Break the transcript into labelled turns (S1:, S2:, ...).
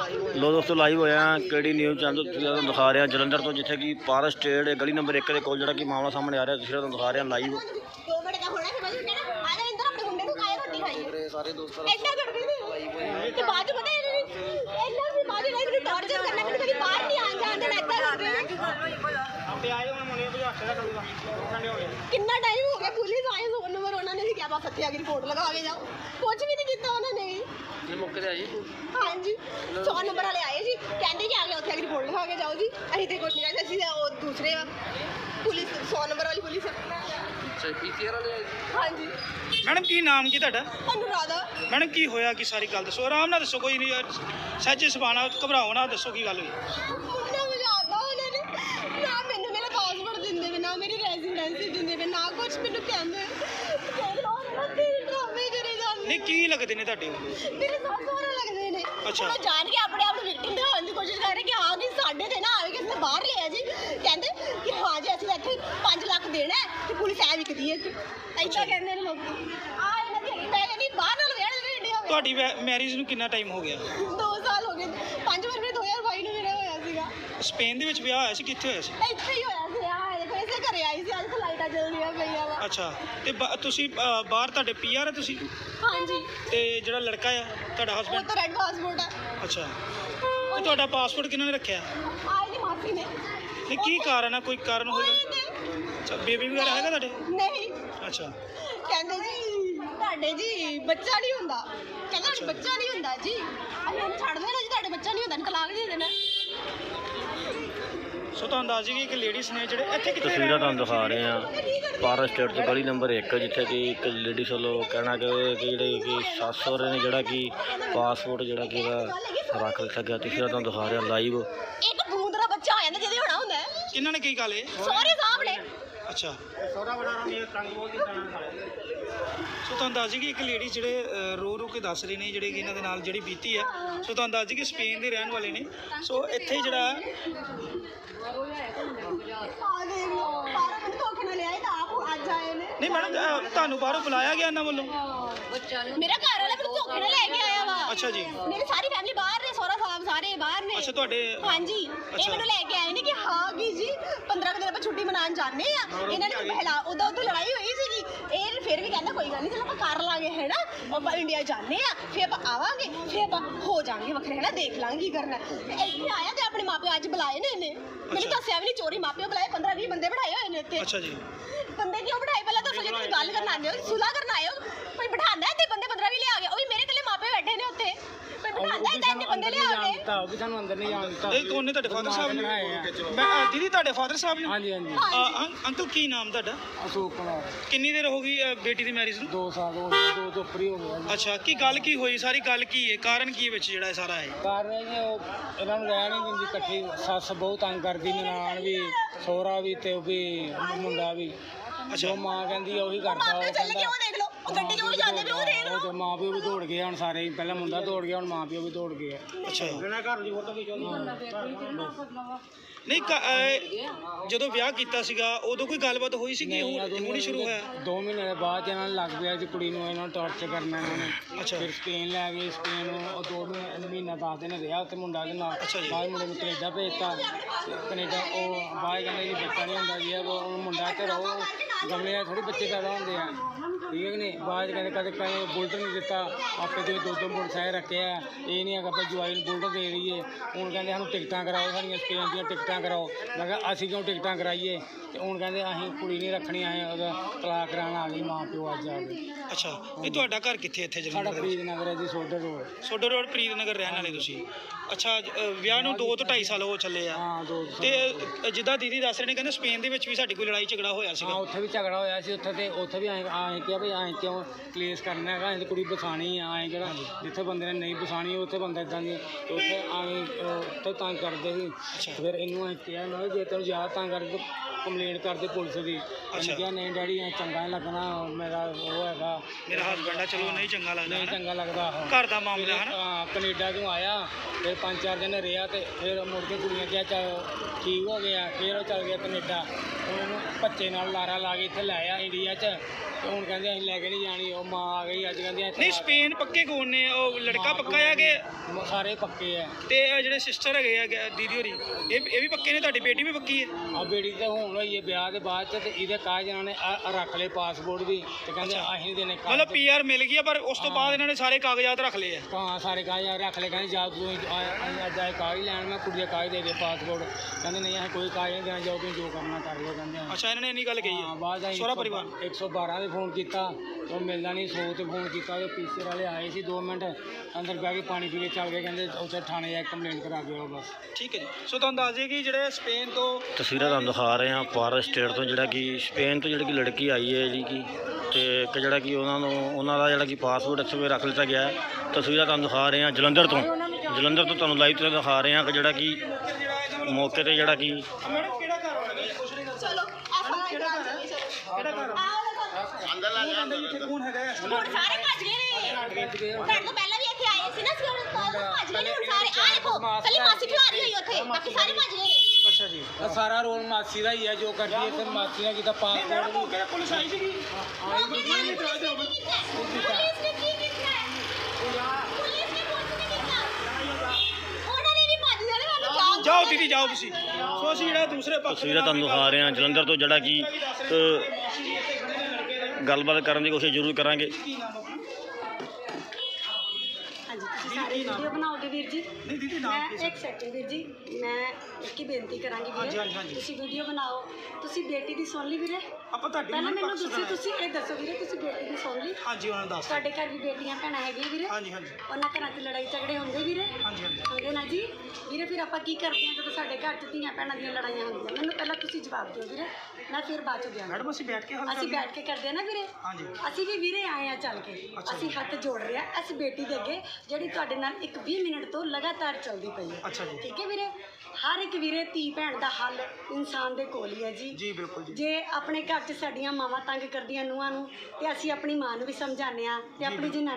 S1: लो दोस्तों लाइव होया KD news channel तुहानूं दिखा रहे हैं जलंधर तो जिथे कि पारस स्टेट गली नंबर 1 के कोल जिहड़ा कि मामला सामने आ रहा है तुहानूं दिखा रहे हैं लाइव। सारे दोस्त
S2: कितना टाइम हो गया पुलिस आए फोन नंबर उन्होंने भी क्या बस हत्या की रिपोर्ट लगा के जाओ कुछ भी नहीं किया उन्होंने मौके ते आई हाँ जी 100 नंबर वाले आए जी कहते कि आ गए उत्थे की रिपोर्ट लगा के जाओ जी अभी तो कुछ नहीं आए असं दूसरे पुलिस 100 नंबर वाली पुलिस हाँ जी।
S3: मैडम की नाम की तुहाडा?
S2: अनुराधा।
S3: मैडम की होया कि सारी गल दसो आराम नाल दसो कोई नहीं सच सुभाना घबराओ ना दसो की गल हुई। नहीं की लगते ने तुहाडे?
S2: मेरे साथ सोहरा लगदे ने।
S3: अच्छा
S2: मैं जान के अपने आप विक्टिम दिखाने की कोशिश कर रहे कि हाँ कि साडे ते ना आवे किसी ने बाहर लिया जी कहंदे कि हाँ जी असं इत्थे 5 लाख देना है कि पुलिस ऐ विकदी है ऐसा कहंदे ने लोग आ इन्हां दी मैं नहीं बाहर नाल वेड़ वेड़ी होवे।
S3: ਤੁਹਾਡੀ ਮੈਰਿਜ ਨੂੰ ਕਿੰਨਾ ਟਾਈਮ ਹੋ ਗਿਆ?
S2: 2 ਸਾਲ ਹੋ ਗਏ 5 ਫਰਵਰੀ 2022 ਨੂੰ ਮੇਰਾ ਹੋਇਆ ਸੀਗਾ।
S3: ਸਪੇਨ ਦੇ ਵਿੱਚ ਵਿਆਹ ਹੋਇਆ ਸੀ ਕਿੱਥੇ ਹੋਇਆ ਸੀ?
S2: ਇੱਥੇ ਹੀ ਹੋਇਆ ਸੀ ਆ ਦੇਖੋ ਇਸੇ ਘਰੇ ਆਈ ਸੀ ਅੱਜ ਫਲਾਈਟਾਂ ਚੱਲਦੀਆਂ ਪਈਆਂ ਵਾ।
S3: ਅੱਛਾ ਤੇ ਤੁਸੀਂ ਬਾਹਰ ਤੁਹਾਡੇ ਪੀਆਰ ਹੈ ਤੁਸੀਂ?
S2: ਹਾਂਜੀ।
S3: ਤੇ ਜਿਹੜਾ ਲੜਕਾ ਆ ਤੁਹਾਡਾ
S2: ਉਹ
S3: ਹਸਬੰਡ?
S2: ਤਾਂ ਰੈੱਡ ਪਾਸਪੋਰਟ ਹੈ।
S3: ਅੱਛਾ ਤੇ ਤੁਹਾਡਾ ਪਾਸਪੋਰਟ ਕਿਹਨਾਂ ਨੇ ਰੱਖਿਆ?
S2: ਆਈ ਦੀ ਮਾਸੀ ਨੇ।
S3: ਨਹੀਂ ਕੀ ਕਾਰਨ ਆ ਕੋਈ ਕਾਰਨ ਹੋਏਗਾ? ਅੱਛਾ ਬੇਬੀ ਵਗੈਰਾ ਹੈਗਾ ਤੁਹਾਡੇ?
S2: ਨਹੀਂ।
S3: ਅੱਛਾ
S2: ਕਹਿੰਦੇ ਜੀ ਤੁਹਾਡੇ ਜੀ ਬੱਚਾ ਨਹੀਂ ਹੁੰਦਾ ਕਹਿੰਦਾ ਬੱਚਾ ਨਹੀਂ ਹੁੰਦਾ ਜੀ ਅਸੀਂ ਉਹਨੂੰ ਛੱਡ ਦੇਣਾ ਜੀ ਤੁਹਾਡੇ ਬੱਚਾ ਨਹੀਂ ਹੁੰਦਾ ਤਲਾਕ ਦੇ ਦੇਣਾ।
S3: ਸੋ ਤੁਹਾਨੂੰ ਦੱਸ ਦਈਏ ਕਿ ਲੇਡੀਜ਼ ਨੇ ਜਿਹੜੇ ਇੱਥੇ ਕਿੱਥੇ
S1: तस्वीरें तुहानूं दिखा रहे हैं पारस स्टेट की गली नंबर 1 जिथे कि एक लेडीज़ वालों कहना कि जिहड़े कि सस सहुरे ने जिहड़ा कि पासपोर्ट जिहड़ा कि रख लिया गया तस्वीरें तुहानूं दिखा रहे हैं लाइव।
S2: ਇੱਕ ਬੂੰਦ ਦਾ ਬੱਚਾ ਹੋ ਜਾਂਦਾ ਜਿਹਦੇ ਹੋਣਾ ਹੁੰਦਾ ਹੈ
S3: ਕਿਹਨਾਂ ਨੇ ਕੀ ਗੱਲ ਹੈ?
S2: ਸਹੁਰੇ ਸਾਹਿਬ ਨੇ।
S3: ਅੱਛਾ ਸੋ ਤੁਹਾਨੂੰ ਦੱਸ ਦਈਏ ਕਿ ਇੱਕ ਲੇਡੀ ਜਿਹੜੇ ਰੋ ਰੋ ਕੇ ਦੱਸ ਰਹੇ ਨੇ ਜਿਹੜੇ ਕਿ ਇਹਨਾਂ ਦੇ ਨਾਲ ਜਿਹੜੀ ਬੀਤੀ ਹੈ। ਸੋ ਤੁਹਾਨੂੰ ਦੱਸ ਦਈਏ ਕਿ ਸਪੇਨ ਦੇ ਰਹਿਣ ਵਾਲੇ ਨੇ। ਸੋ ਇੱਥੇ ਜਿਹੜਾ
S2: ਆ ਦੇਖ ਲਓ ਬਾਹਰੋਂ ਮੈਨੂੰ ਧੋਖੇ ਨਾਲ ਲਿਆਏ ਤਾਂ ਆਪ ਅੱਜ ਆਏ ਨੇ।
S3: ਨਹੀਂ ਮੈਡਮ ਤੁਹਾਨੂੰ ਬਾਹਰੋਂ ਬੁਲਾਇਆ ਗਿਆ ਇਹਨਾਂ ਵੱਲੋਂ?
S2: ਮੇਰਾ ਘਰ ਵਾਲਾ ਮੈਨੂੰ ਧੋਖੇ ਨਾਲ ਲੈ ਕੇ ਆਇਆ ਵਾ।
S3: ਅੱਛਾ ਜੀ।
S2: ਮੇਰੀ ਸਾਰੀ ਫੈਮਿਲੀ ਬਾਹਰ ਨੇ ਸਹੁਰਾ ਸਾਹਿਬ ਸਾਰੇ ਬਾਹਰ ਨੇ।
S3: ਅੱਛਾ ਤੁਹਾਡੇ?
S2: ਹਾਂਜੀ ਇਹ ਮੈਨੂੰ ਲੈ ਕੇ ਆਏ ਨੇ ਕਿ ਹਾਂ ਕਿ ਜੀ 15 ਦਿਨ ਆਪਾਂ ਛੁੱਟੀ ਮਨਾਉਣ ਜਾਂਦੇ ਆ ਇਹਨਾਂ ਨੇ ਪਹਿਲਾਂ ਉਦੋਂ ਲੜਾਈ ਹੋਈ ਸੀਗੀ ਇਹ ਫਿਰ ਵੀ ਕਹਿੰਦਾ ਕੋਈ ਗੱਲ ਨਹੀਂ ਚਲ ਆਪਾਂ ਕਰ ਲਾਂਗੇ ਹੈ ਨਾ ਆਪਾਂ ਇੰਡੀਆ ਜਾਂਦੇ ਆ ਫਿਰ ਆਪਾਂ ਆਵਾਂਗੇ ਫਿਰ ਆਪਾਂ ਹੋ ਜਾਾਂਗੇ ਵੱਖਰੇ ਹੈ ਨਾ ਦੇਖ ਲਾਂਗੇ ਕੀ ਕਰਨਾ ਤੇ ਇੱਥੇ ਆਇਆ ਤੇ ਆਪਣੇ ਮਾਪਿਓ ਅੱਜ ਬੁਲਾਏ ਨੇ ਇਹਨੇ ਮੈਨੂੰ ਦੱਸਿਆ ਵੀ ਨਹੀਂ ਚੋਰੀ ਮਾਪਿਓ ਬੁਲਾਏ 15-20 ਬੰਦੇ ਬਿਠਾਏ ਹੋਏ ਨੇ ਇੱਥੇ।
S3: ਅੱਛਾ ਜੀ।
S2: ਬੰਦੇ ਕਿਉਂ ਬਿਠਾਏ ਪਹਿਲਾਂ ਦੱਸੋ ਜੇ ਤੁਸੀਂ ਗੱਲ ਕਰਨ ਆਉਂਦੇ ਹੋ ਸੁਲਾਹ ਕਰਨ ਆਏ ਹੋ ਕੋਈ ਬਿਠਾਉਂਦਾ ਤੇ ਬੰਦੇ 15 ਵੀ ਲਿਆ ਗਿਆ ਉਹ ਵੀ ਮੇਰੇ ਇਕੱਲੇ ਮਾਪੇ ਬੈਠੇ ਨੇ ਉੱਥੇ ਕੋਈ ਬਿਠਾਉਂਦਾ ਏਦਾਂ ਇੰਨੇ ਬੰਦੇ ਲਿਆ ਕੇ
S4: ਉਹ ਵੀ ਸਾਨੂੰ ਅੰਦਰ ਨਹੀਂ ਜਾਣ ਦਿੱਤਾ।
S3: ਇਹ ਕੌਣ ਨੇ ਤੁਹਾਡੇ ਫਾਦਰ ਸਾਹਿਬ ਨੇ? ਮੈਂ ਦੀਦੀ ਤੁਹਾਡੇ ਫਾਦਰ ਸਾਹਿਬ ਨੇ?
S4: ਹਾਂਜੀ ਹਾਂਜੀ।
S3: ਅੰਕਲ ਕੀ ਨਾਮ ਤੁਹਾਡਾ?
S4: ਅਸ਼ੋਕ ਕੁਮਾਰ।
S3: ਕਿੰਨੀ ਦੇਰ ਹੋ ਗਈ ਬੇਟੀ ਦੀ ਮੈਰਿਜ ਨੂੰ?
S4: 2 ਸਾਲ ਹੋ ਗਏ 2 ਤੋਂ ਉੱਪਰ ਹੀ ਹੋ ਗਿਆ।
S3: ਅੱਛਾ ਕੀ ਗੱਲ ਕੀ ਹੋਈ ਸਾਰੀ ਗੱਲ ਕੀ ਹੈ ਕਾਰਨ ਕੀ ਹੈ ਵਿੱਚ ਜਿਹੜਾ ਇਹ ਸਾਰਾ ਹੈ?
S4: ਕਾਰਨ ਹੈ ਜੀ ਉਹ ਇਹਨਾਂ ਨੂੰ ਰਹਿਣ ਨਹੀਂ ਦਿੰਦੀ ਇਕੱਠੀ ਸੱਸ ਬਹੁਤ ਤੰਗ ਕਰਦੀ ਨਨਾਣ ਵੀ ਸਹੁਰਾ ਵੀ ਤੇ ਉਹ ਵੀ ਮੁੰਡਾ ਵੀ। ਜੋ ਮਾਂ ਕਹਿੰਦੀ ਆ ਉਹੀ ਕਰਦਾ। ਉਹ
S2: ਚੱਲ ਕੇ ਉਹ ਦੇਖ ਲਓ ਉਹ ਗੱਡੀ ਕਿਉਂ ਜਾਂਦੇ ਵੀ ਉਹ ਦੇਖ ਲਓ।
S4: ਉਹ ਮਾਂ ਪਿਓ ਵੀ ਦੌੜ ਗਏ ਹੁਣ ਸਾਰੇ ਪਹਿਲਾਂ ਮੁੰਡਾ ਦੌੜ ਗਿਆ ਹੁਣ ਮਾਂ ਪਿਓ ਵੀ ਦੌੜ ਗਏ।
S3: ਅੱਛਾ ਨਹੀਂ ਜਦੋਂ ਵਿਆਹ ਕੀਤਾ ਸੀਗਾ ਉਦੋਂ ਕੋਈ ਗੱਲਬਾਤ ਹੋਈ ਸੀ ਕਿ ਹੁਣ ਹੀ ਸ਼ੁਰੂ ਹੋਇਆ?
S4: 2 ਮਹੀਨੇ ਦੇ ਬਾਅਦ ਇਹਨਾਂ ਨੂੰ ਲੱਗ ਪਿਆ ਜੀ ਕੁੜੀ ਨੂੰ ਇਹਨਾਂ ਨੂੰ ਟੌਰਚਰ ਕਰਨਾ ਇਹਨਾਂ ਨੇ।
S3: ਅੱਛਾ
S4: ਫਿਰ ਸਪੇਨ ਲੈ ਗਏ ਸਪੇਨ ਨੂੰ ਉਹ 2 ਮਹੀਨਾ 10 ਦਿਨ ਰਿਹਾ ਉੱਥੇ ਮੁੰਡਾ ਦੇ ਨਾਲ।
S3: ਅੱਛਾ ਜੀ।
S4: ਬਾਅਦ ਮੁੰਡੇ ਨੂੰ ਕੈਨੇਡਾ ਭੇਜਤਾ ਕੈਨੇਡਾ ਉਹ ਬਾਅਦ ਕਹਿੰਦੇ ਜੀ ਬੱਚਾ ਨਹੀਂ ਹੁੰਦਾ ਜੀ ਉਹ ਮੁੰਡਾ ਤੇ ਰਹੋ ਗਮਲੇ ਥੋੜੀ ਬੱਚੇ ਪੈਦਾ ਹੁੰਦੇ ਆ ਠੀਕ ਹੈ ਕਿ ਨਹੀਂ। ਬਾਅਦ ਕਹਿੰਦੇ ਕਦੇ ਬੁਲਟ ਨਹੀਂ ਦਿੱਤਾ ਆਪੇ ਤੇ 2 ਮੋਟਰਸਾਈਕਲ ਰੱਖੇ ਆ ਇਹ ਨਹੀਂ ਹੈਗਾ ਆਪਾਂ ਜਵਾਈ ਨੂੰ ਬੁਲਟ ਦੇ ਦਈਏ। ਹੁਣ ਕਹਿੰਦੇ ਸਾਨੂੰ ਟਿਕਟਾਂ ਕਰਾਓ ਸਾਡੀਆਂ ਸਪੇਨ ਦੀਆਂ ਟਿਕਟਾਂ ਕਰਾਓ। ਮੈਂ ਕਿਹਾ ਅਸੀਂ ਕਿਉਂ ਟਿਕਟਾਂ ਕਰਾਈਏ ਤੇ ਹੁਣ ਕਹਿੰਦੇ ਅਸੀਂ ਕੁੜੀ ਨਹੀਂ ਰੱਖਣੀ ਅਸੀਂ ਉਹਦਾ ਤਲਾਕ ਕਰਾਉਣ ਆ ਗਈ ਮਾਂ ਪਿਓ ਅੱਜ ਆ ਗਏ।
S3: ਅੱਛਾ ਇਹ ਤੁਹਾਡਾ ਘਰ ਕਿੱਥੇ ਇੱਥੇ
S4: ਸਾਡਾ
S3: ਜਲੰਧਰ?
S4: ਪ੍ਰੀਤ ਨਗਰ ਹੈ ਜੀ ਸੋਡਰ ਰੋਡ।
S3: ਸੋਡਰ ਰੋਡ ਪ੍ਰੀਤ ਨਗਰ ਰਹਿਣ ਵਾਲੇ ਤੁਸੀਂ? ਅੱਛਾ ਵਿਆਹ ਨੂੰ 2 ਤੋਂ 2.5 ਸਾਲ ਹੋ ਚੱਲੇ ਆ।
S4: ਹਾਂ 2
S3: ਤੇ ਜਿੱਦਾਂ ਦੀਦੀ ਦੱਸ ਰਹੇ ਨੇ ਕਹਿੰਦੇ ਸਪੇਨ ਦੇ ਵਿੱਚ ਵੀ ਸਾਡੀ ਕੋਈ ਲੜਾਈ ਝਗੜਾ ਹੋਇਆ
S4: ਹਾਂ
S3: ਸੀਗਾ?
S4: ਉੱਥੇ ਵੀ ਝਗੜਾ ਹੋਇਆ ਸੀ ਉੱਥੇ ਵੀ ਆਏ ਕਿਹਾ ਵੀ ਆਏ ਕਿਉਂ ਕਲੇਸ਼ ਕਰਨਾ ਹੈਗਾ ਅਸੀਂ ਕੁੜੀ ਬਸਾਣੀ ਆ ਆਏ ਕਿਹੜਾ ਜਿੱਥੇ ਬੰਦੇ ਨੇ ਨਹੀਂ ਬਸਾਣੀ ਉੱਥੇ ਬੰਦਾ ਇੱਦਾਂ ਦੀ ਉੱਥੇ ਆਏ ਉੱਥੇ ਤੰਗ ਕਰਦੇ ਸੀ। ਫਿਰ ਇਹਨੂੰ ਅਸੀਂ ਕਿਹਾ ਨਾ ਜੇ ਤੈਨੂੰ ਜ਼ਿਆਦਾ ਤੰਗ ਕਰਦੇ ਕੰਪਲੇਂਟ ਕਰਦੇ ਪੁਲਿਸ ਦੀ। ਅਸੀਂ ਕਿਹਾ ਨਹੀਂ ਡੈਡੀ ਐ ਚੰਗਾ ਨਹੀਂ ਲੱਗਣਾ ਮੇਰਾ ਉਹ ਹੈਗਾ
S3: ਮੇਰਾ ਹਸਬੈਂਡ ਆ ਚਲੋ ਨਹੀਂ ਚੰਗਾ ਲੱਗਦਾ
S4: ਨਹੀਂ ਚੰਗਾ ਲੱਗਦਾ
S3: ਘਰ ਦਾ ਮਾਮਲਾ ਹੈ ਨਾ।
S4: ਹਾਂ ਕੈਨੇਡਾ ਤੋਂ ਆਇਆ ਫਿਰ 5-4 ਦਿਨ ਰਿਹਾ ਤੇ ਫਿਰ ਮੁੜ ਕੇ ਕੁੜੀਆਂ ਕਿਹਾ ਚੱਲ ਠੀਕ ਹੋ ਗਿਆ ਫਿਰ ਉਹ ਚੱਲ ਗਿਆ ਕੈਨੇਡਾ। ਉਹਨੂੰ ਬੱਚੇ ਨਾਲ ਲਾਰਾ ਲਾ ਕੇ ਇੱਥੇ ਲੈ ਆਇਆ ਇੰਡੀਆ 'ਚ ਤੇ ਹੁਣ ਕਹਿੰਦੇ ਅਸੀਂ ਲੈ ਕੇ ਨਹੀਂ ਜਾਣੀ, ਉਹ ਮਾਂ ਆ ਗਈ ਅੱਜ ਕਹਿੰਦੀ
S3: ਨਹੀਂ ਸਪੇਨ ਪੱਕੇ ਕੌਣ ਨੇ? ਉਹ ਲੜਕਾ ਪੱਕਾ ਆ ਕਿ
S4: ਸਾਰੇ ਪੱਕੇ ਆ।
S3: ਤੇ ਇਹ ਜਿਹੜੇ ਸਿਸਟਰ ਹੈਗੇ ਆ ਦੀਦੀ ਹੋਰੀ ਇਹ ਵੀ ਪੱਕੇ ਨੇ? ਤੁਹਾਡੀ ਬੇਟੀ ਵੀ ਪੱਕੀ ਹੈ?
S4: ਆ ਬੇਟੀ ਤੇ ਹੁਣ ਹੋਈ ਹੈ ਵਿਆਹ ਦੇ ਬਾਅਦ ਚ, ਤੇ ਇਹਦੇ ਕਾਗਜ਼ ਇਹਨਾਂ ਨੇ ਰੱਖ ਲਏ ਪਾਸਪੋਰਟ ਵੀ, ਤੇ ਕਹਿੰਦੇ ਅਸੀਂ ਨਹੀਂ ਦੇਣੇ ਕਾਗਜ਼।
S3: ਮਤਲਬ PR ਮਿਲ ਗਈ ਆ, ਪਰ ਉਸ ਤੋਂ ਬਾਅਦ ਇਹਨਾਂ ਨੇ ਸਾਰੇ ਕਾਗਜ਼ਾਤ ਰੱਖ ਲਏ ਆ।
S4: ਹਾਂ ਸਾਰੇ ਕਾਗਜ਼ ਰੱਖ ਲਏ, ਕਹਿੰਦੇ ਜਾ ਤੂੰ ਅਸੀਂ ਅੱਜ ਆਏ ਕਾਗਜ਼ ਲੈਣ, ਮੈਂ ਕੁੜੀ ਦੇ ਕਾਗਜ਼ ਦੇ ਪਾਸਪੋਰਟ, ਕਹਿੰਦੇ ਨਹੀਂ ਅਸੀਂ ਕੋਈ ਕਾਗਜ਼ ਨਹੀਂ ਦੇਣਾ, ਜਾਓ ਤੁਸੀਂ ਜੋ ਕਰਨਾ ਕਰ ਲਓ ਕਹਿੰਦੇ।
S3: ਅੱਛਾ ਇਹਨਾਂ ਨੇ ਇੰਨੀ ਗੱਲ ਕਹੀ
S4: ਹਾਂ
S3: ਆ?
S4: ਬਾਅਦ ਅਸੀਂ
S3: ਸਹੁਰਾ ਪਰਿਵਾਰ
S4: 112 ਤੇ ਫੋਨ ਕੀਤਾ, ਉਹ ਮਿਲਦਾ ਨਹੀਂ, 100 ਤੇ ਫੋਨ ਕੀਤਾ, ਉਹ ਪੀਸੀ ਵਾਲੇ ਆਏ ਸੀ 2 ਮਿੰਟ, ਅੰਦਰ ਬਹਿ ਕੇ ਪਾਣੀ ਪੀ ਕੇ ਚੱਲ ਗਏ, ਕਹਿੰਦੇ ਉੱਥੇ ਥਾਣੇ ਜਾ ਕੇ ਕੰਪਲੇਂਟ ਕਰਾ ਕੇ ਆਓ ਬਸ।
S3: ਠੀਕ ਹੈ ਜੀ। ਸੋ ਤੁਹਾਨੂੰ ਦੱਸ ਦਈਏ ਕਿ ਜਿਹੜੇ ਸਪੇਨ ਤੋਂ
S1: ਤਸਵੀਰਾਂ ਤੁਹਾਨੂੰ ਦਿਖਾ ਰਹੇ ਹਾਂ ਫਾਰ ਸਟੇਟ ਤੋਂ, ਜਿਹੜਾ ਕਿ ਸਪੇਨ ਤੋਂ ਜਿਹੜੀ ਕਿ ਲੜਕੀ ਆਈ ਹੈ ਜਿਹੜੀ ਕਿ, ਤੇ ਇੱਕ ਜਿਹੜਾ ਕਿ ਉਹਨਾਂ ਦਾ ਜਿਹੜਾ ਕਿ ਪਾਸਪੋਰਟ ਇੱਥੇ ਰੱਖ ਲਿੱਤਾ ਗਿਆ ਹੈ। ਤਸਵੀਰਾਂ ਤੁਹਾਨੂੰ ਦਿਖਾ ਰਹੇ ਹਾਂ ਜਲੰਧਰ ਤੋਂ ਤੁਹਾਨੂੰ ਲਾਈਵ ਤੇ ਦਿਖਾ ਰਹੇ ਹਾਂ ਕਿ ਜਿਹੜਾ ਕਿ ਮੌਕੇ ਤੇ ਜਿਹੜਾ ਕਿ
S3: ਮੈਡਮ ਕਿਹੜਾ ਘਰ ਹੋਣਾ ਜੀ? ਕੁਛ ਨਹੀਂ ਦੱਸੋ।
S2: ਚਲੋ FIR
S3: ਕਿਹੜਾ ਘਰ ਹੈ? ਕਿਹੜਾ ਘਰ ਹੈ?
S2: ਅੰਦਰ ਲਾ ਜਾ
S3: ਇੱਥੇ ਕੌਣ ਹੈਗਾ ਹੈ?
S2: ਹੁਣ ਸਾਰੇ ਭੱਜ ਗਏ ਨੇ। ਤੁਹਾਡੇ ਤੋਂ ਪਹਿਲਾਂ ਵੀ ਇੱਥੇ ਆਏ ਸੀ ਨਾ, ਅਸੀਂ ਹੁਣ ਭੱਜ ਗਏ ਨੇ ਹੁਣ ਸਾਰੇ। ਆ ਦੇਖੋ ਕੱਲੀ ਮਾਸੀ ਖਿਲਾਰੀ ਹੋਈ ਉੱਥੇ, ਬਾਕੀ ਸਾਰੇ ਭੱਜ ਗਏ ਨੇ।
S3: ਅੱਛਾ ਜੀ।
S4: ਇਹ ਸਾਰਾ ਰੋਲ ਮਾਸੀ ਦਾ ਹੀ ਹੈ, ਜੋ ਕਰਦੀ ਹੈ, ਤੇ ਮਾਸੀ ਨੇ ਕੀਤਾ ਪਾਸਪੋਰਟ
S3: ਮੈਡਮ
S4: ਵੀ।
S3: ਮੌਕੇ ਤੇ ਪੁਲਿਸ ਆਈ ਸੀਗੀ?
S2: ਪੁਲਿਸ ਨੇ ਕੀ ਕੀਤਾ ਹੈ? ਪੁਲਿਸ ਨੇ ਕੁਛ ਨਹੀਂ ਕੀਤਾ। ਉਹਨਾਂ ਨੇ ਵੀ ਭੱਜ ਜਾਣਾ, ਸਾਨੂੰ
S3: ਜਾਓ ਦੀਦੀ ਜਾਓ ਤੁਸੀਂ। ਸੋ ਅਸੀਂ ਜਿਹੜਾ ਦੂਸਰੇ ਪੱਖ
S1: ਤਸਵੀਰਾਂ ਤੁਹਾਨੂੰ ਦਿਖਾ ਰਹੇ ਹਾਂ ਜਲੰਧਰ ਤੋਂ, ਜਿਹੜਾ ਕਿ ਗੱਲਬਾਤ ਕਰਨ ਦੀ ਕੋਸ਼ਿਸ਼ ਜ਼ਰੂਰ ਕਰਾਂਗੇ।
S5: ਹਾਂਜੀ ਤੁਸੀਂ ਸਾਰੇ ਵੀਡੀਓ ਬਣਾਓਗੇ ਵੀਰ ਜੀ?
S3: ਨਹੀਂ ਦੀਦੀ ਨਾਮ
S5: ਮੈਂ ਇੱਕ ਸੈਕਿੰਡ ਵੀਰ ਜੀ, ਮੈਂ ਇੱਕ ਹੀ ਬੇਨਤੀ ਕਰਾਂਗੀ
S3: ਹਾਂਜੀ,
S5: ਵੀਰੇ,
S3: ਹਾਂਜੀ।
S5: ਤੁਸੀਂ ਵੀਡੀਓ ਬਣਾਓ। ਤੁਸੀਂ ਬੇਟੀ ਦੀ ਸੁਣ ਲਈ ਵੀਰੇ?
S3: ਆਪਾਂ ਤੁਹਾਡੀ
S5: ਪਹਿਲਾਂ ਮੈਨੂੰ
S3: ਪੱਖ
S5: ਦੱਸੋ, ਤੁਸੀਂ ਇਹ ਦੱਸੋ ਵੀਰੇ, ਤੁਸੀਂ ਬੇਟੀ ਦੀ ਸੁਣ ਲਈ?
S3: ਹਾਂਜੀ ਉਹਨਾਂ ਨੂੰ ਦੱਸ।
S5: ਤੁਹਾਡੇ ਘਰ ਵੀ ਬੇਟੀਆਂ ਭੈਣਾਂ ਹੈਗੀਆਂ ਵੀਰੇ?
S3: ਹਾਂਜੀ ਹਾਂਜੀ
S5: ਉਹਨਾਂ ਘਰਾਂ 'ਚ ਲੜਾਈ ਝਗੜੇ ਹੁੰਦੇ ਵੀਰੇ?
S3: ਹਾਂਜੀ ਹਾਂਜੀ।
S5: ਹੁੰਦੇ ਨਾ ਜੀ ਵੀਰੇ। ਫਿਰ ਆਪਾਂ ਕੀ ਕਰਦੇ ਹਾਂ ਜਦੋਂ ਸਾਡੇ ਘਰ 'ਚ ਧੀਆਂ ਭੈਣਾਂ ਦੀਆਂ ਲੜਾਈਆਂ ਹੁੰਦੀਆਂ? ਮੈਨੂੰ ਪਹਿਲਾਂ ਤੁਸੀਂ ਜਵਾਬ ਦਿਓ ਵੀਰੇ, ਮੈਂ ਫਿਰ ਬਾਅਦ 'ਚ ਦਿਆਂਗਾ।
S3: ਮੈਡਮ ਅਸੀਂ ਬੈਠ ਕੇ ਹੱਲ
S5: ਅਸੀਂ
S3: ਕਰਦੇ ਹਾਂ।
S5: ਬੈਠ ਕੇ ਕਰਦੇ ਆ ਨਾ ਵੀਰੇ।
S3: ਹਾਂਜੀ।
S5: ਅਸੀਂ ਵੀ ਵੀਰੇ ਆਏ ਆ ਚੱਲ ਕੇ, ਅਸੀਂ ਹੱਥ ਜੋੜ ਰਹੇ ਆ ਇਸ ਬੇਟੀ ਦੇ ਅੱਗੇ ਜਿਹੜੀ ਤੁਹਾਡੇ ਨਾਲ ਇੱਕ 20 ਮਿੰਟ ਤੋਂ ਲਗਾਤਾਰ ਚੱਲਦੀ ਪਈ ਹੈ।
S3: ਅੱਛਾ ਜੀ।
S5: ਠੀਕ ਹੈ ਵੀਰੇ। ਹਰ ਇੱਕ ਵੀਰੇ ਧੀ ਭੈਣ ਦਾ ਹੱਲ ਇਨਸਾਨ ਦੇ ਕੋਲ ਹੀ ਹੈ ਜੀ।
S3: ਜੀ ਬਿਲਕੁਲ ਜੀ।
S5: ਜੇ ਆਪਣੇ ਘਰ 'ਚ ਸਾਡੀਆਂ ਮਾਵਾਂ ਤੰਗ ਕਰਦੀਆਂ ਨੂੰਹਾਂ ਨੂੰ, ਤੇ ਅਸੀਂ ਆਪਣੀ ਮਾਂ ਨੂੰ ਵੀ ਸਮਝਾਉਂਦੇ ਆ, ਤੇ ਆਪਣੀ ਜਨਾਨੀ